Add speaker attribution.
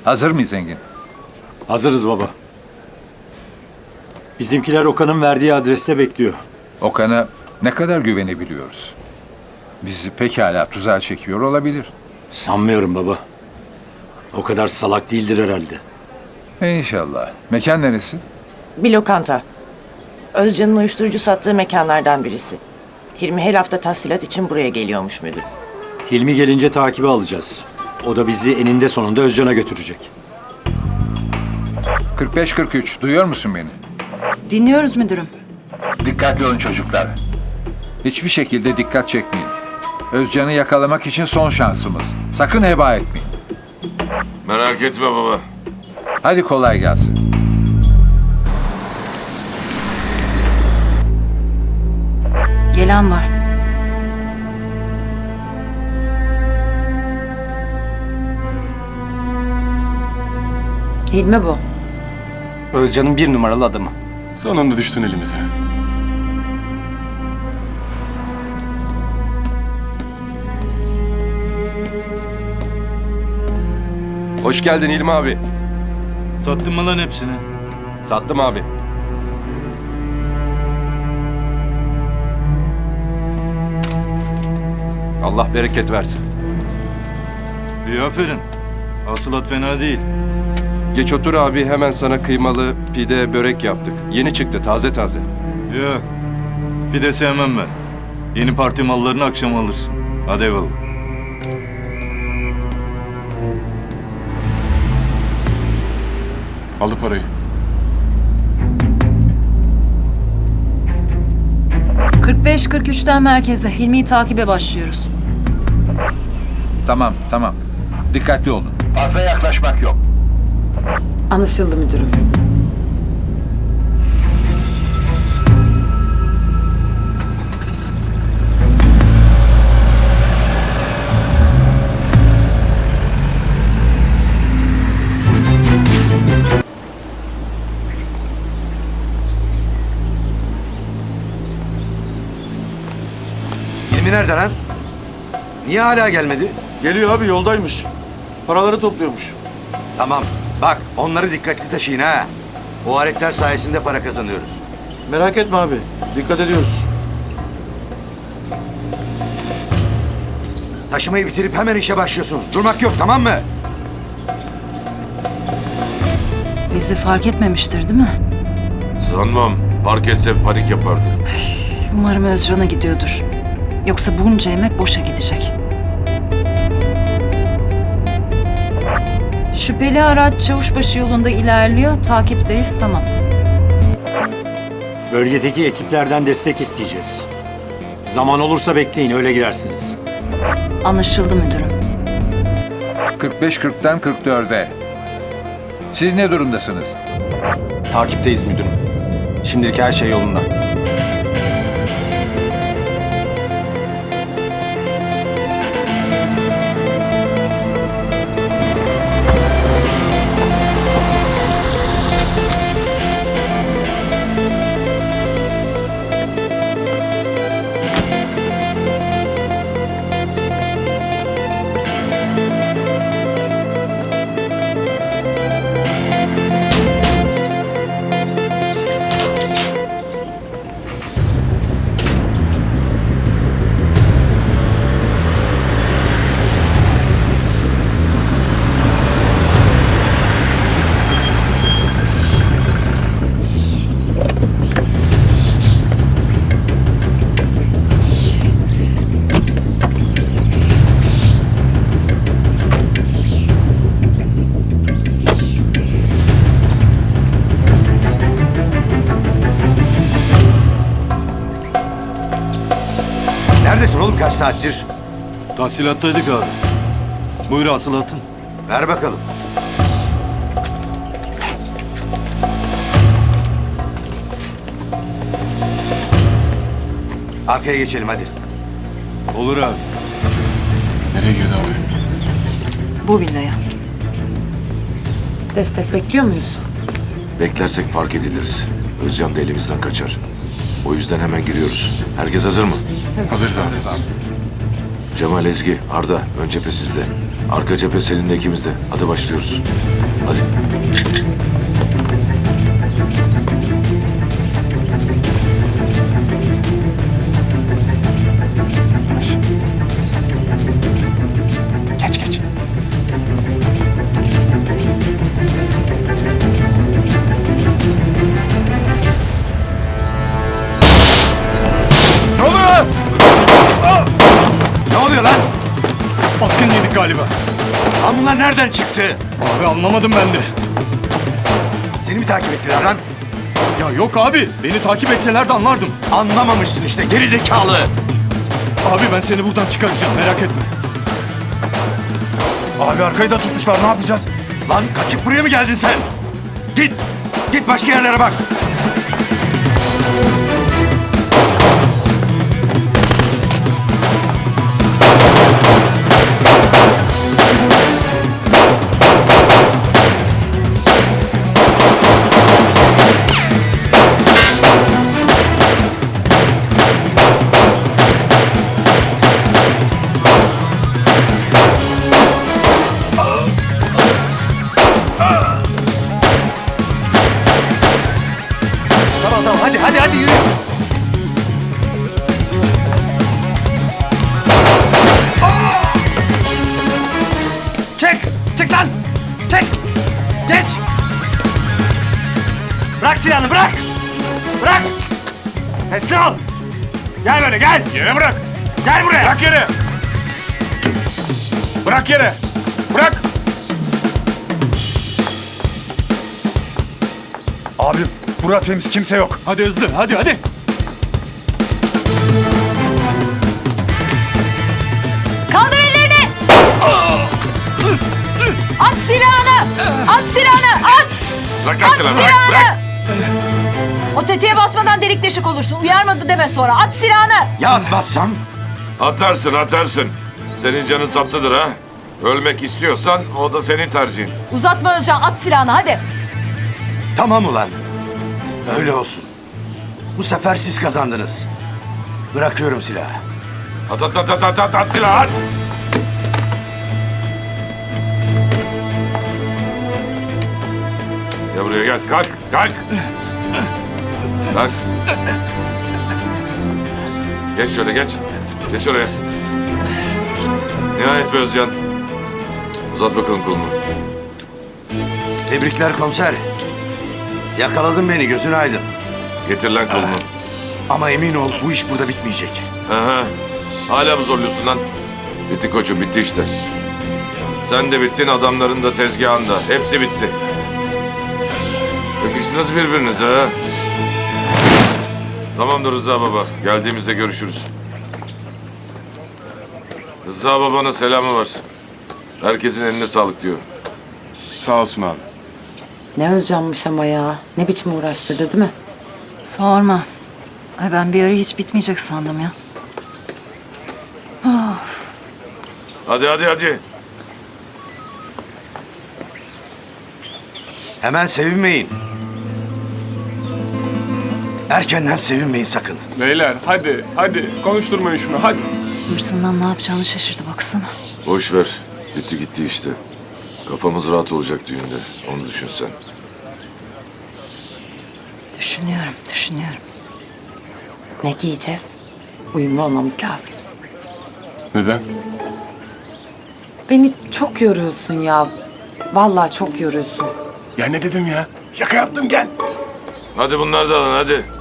Speaker 1: Hazır mıyız Engin?
Speaker 2: Hazırız baba. Bizimkiler Okan'ın verdiği adreste bekliyor.
Speaker 1: Okan'a ne kadar güvenebiliyoruz? Bizi pekala tuzağa çekiyor olabilir.
Speaker 2: Sanmıyorum baba. O kadar salak değildir herhalde.
Speaker 1: İnşallah. Mekan neresi?
Speaker 3: Bir lokanta. Özcan'ın uyuşturucu sattığı mekanlardan birisi. Hilmi her hafta tahsilat için buraya geliyormuş müdür.
Speaker 2: Hilmi gelince takibi alacağız. O da bizi eninde sonunda Özcan'a götürecek.
Speaker 1: 45-43. Duyuyor musun beni?
Speaker 4: Dinliyoruz müdürüm.
Speaker 1: Dikkatli olun çocuklar. Hiçbir şekilde dikkat çekmeyin. Özcan'ı yakalamak için son şansımız. Sakın heba etmeyin.
Speaker 5: Merak etme baba.
Speaker 1: Hadi kolay gelsin.
Speaker 4: Gelen var. Hilmi bu.
Speaker 6: Özcan'ın 1 numaralı adamı.
Speaker 7: Sonunda düştün elimize.
Speaker 5: Hoş geldin İlmi abi.
Speaker 8: Sattın mı lan hepsini?
Speaker 5: Sattım abi. Allah bereket versin.
Speaker 8: İyi aferin. Hasılat fena değil.
Speaker 5: Geç otur abi, hemen sana kıymalı pide börek yaptık. Yeni çıktı, taze taze.
Speaker 8: Yok. Bir de sevmem ben. Yeni parti mallarını akşam alırsın. Hadi eyvallah.
Speaker 7: Aldı parayı.
Speaker 4: ...45-43'ten merkeze Hilmi'yi takibe başlıyoruz.
Speaker 1: Tamam. Dikkatli olun. Fazla yaklaşmak yok.
Speaker 3: Anlaşıldı müdürüm.
Speaker 9: Hilmi nerede lan? Niye hala gelmedi?
Speaker 6: Geliyor abi, yoldaymış. Paraları topluyormuş.
Speaker 9: Tamam. Bak onları dikkatli taşıyın ha. O aletler sayesinde para kazanıyoruz.
Speaker 6: Merak etme abi. Dikkat ediyoruz.
Speaker 9: Taşımayı bitirip hemen işe başlıyorsunuz. Durmak yok, tamam mı?
Speaker 4: Bizi fark etmemiştir değil mi?
Speaker 5: Sanmam. Fark etse panik yapardı.
Speaker 4: Umarım Özcan'a gidiyordur. Yoksa bunca emek boşa gidecek. Şüpheli araç Çavuşbaşı yolunda ilerliyor. Takipteyiz, tamam.
Speaker 2: Bölgedeki ekiplerden destek isteyeceğiz. Zaman olursa bekleyin, öyle girersiniz.
Speaker 4: Anlaşıldı müdürüm.
Speaker 1: 45-40'tan 44'e. Siz ne durumdasınız?
Speaker 6: Takipteyiz müdürüm. Şimdilik her şey yolunda.
Speaker 9: Neredesin oğlum, kaç saattir?
Speaker 8: Tahsilattaydık abi. Buyur hasılatın.
Speaker 9: Ver bakalım. Arkaya geçelim hadi.
Speaker 8: Olur abi.
Speaker 7: Nereye girdi abi?
Speaker 4: Bu villaya.
Speaker 3: Destek bekliyor muyuz?
Speaker 5: Beklersek fark ediliriz. Özcan da elimizden kaçar. O yüzden hemen giriyoruz. Herkes hazır mı?
Speaker 7: Hazırız abi.
Speaker 5: Cemal, Ezgi, Arda, ön cephe sizde. Arka cephe Selin'le ikimiz de. Hadi başlıyoruz. Hadi.
Speaker 6: Geç geç.
Speaker 9: Ne oluyor lan?
Speaker 8: Baskın yedik galiba.
Speaker 9: Lan bunlar nereden çıktı?
Speaker 8: Abi anlamadım ben de.
Speaker 9: Seni mi takip ettiler lan?
Speaker 8: Ya yok abi. Beni takip etseler de anlardım.
Speaker 9: Anlamamışsın işte geri zekalı.
Speaker 8: Abi ben seni buradan çıkaracağım merak etme.
Speaker 6: Abi arkayı da tutmuşlar, ne yapacağız?
Speaker 9: Lan kaçıp buraya mı geldin sen? Git. Git başka yerlere bak.
Speaker 6: Tamam hadi yürü. Çık lan. Çek. Geç. Bırak silahını bırak. Bırak. Teslim ol. Gel böyle gel.
Speaker 8: Yere bırak.
Speaker 6: Gel buraya.
Speaker 8: Bırak yere. Bırak yere. Bırak.
Speaker 6: Abi bura temiz, kimse yok.
Speaker 8: Hadi hızlı hadi.
Speaker 4: Kaldır ellerini! At silahını! At silahını! At!
Speaker 5: Bırak
Speaker 4: At silahını! O tetiğe basmadan delik deşik olursun. Uyarmadı deme sonra. At silahını!
Speaker 9: Ya atmazsam?
Speaker 5: Atarsın. Senin canın tatlıdır ha. Ölmek istiyorsan o da senin tercihin.
Speaker 4: Uzatma Özcan. At silahını hadi.
Speaker 9: Tamam ulan. Öyle olsun. Bu sefer siz kazandınız. Bırakıyorum silahı.
Speaker 5: At silahı at. Gel buraya gel. Kalk. Kalk. Geç şöyle geç. Geç oraya. Nihayet be Özcan. Uzat bakalım kolunu.
Speaker 9: Tebrikler komiser. Yakaladın beni, gözün aydın.
Speaker 5: Getir lan kolunu.
Speaker 9: Ama emin ol bu iş burada bitmeyecek.
Speaker 5: Aha. Hala mı zorluyorsun lan? Bitti koçum, bitti işte. Sen de bittin, adamların da tezgahın da. Hepsi bitti. Yakıştınız birbirinize ha? Tamamdır Rıza baba. Geldiğimizde görüşürüz. Rıza babana selamı var. Herkesin eline sağlık diyor.
Speaker 7: Sağ olsun abi.
Speaker 3: Ne Özcan'mış ama ya. Ne biçim uğraştırdı değil mi?
Speaker 4: Sorma. Ay ben bir ara hiç bitmeyecek sandım ya.
Speaker 5: Hadi.
Speaker 9: Hemen sevinmeyin. Erkenden sevinmeyin sakın.
Speaker 7: Beyler hadi konuşturmayın şunu hadi.
Speaker 4: Hırsından ne yapacağını şaşırdı baksana.
Speaker 5: Boş ver. Bitti gitti işte. Kafamız rahat olacak düğünde. Onu düşün sen.
Speaker 4: Düşünüyorum.
Speaker 3: Ne giyeceğiz? Uyumlu olmamız lazım.
Speaker 7: Neden?
Speaker 3: Beni çok yoruyorsun ya. Vallahi çok yoruyorsun.
Speaker 6: Ya ne dedim ya? Şaka yaptım gel.
Speaker 5: Hadi bunları da alın hadi.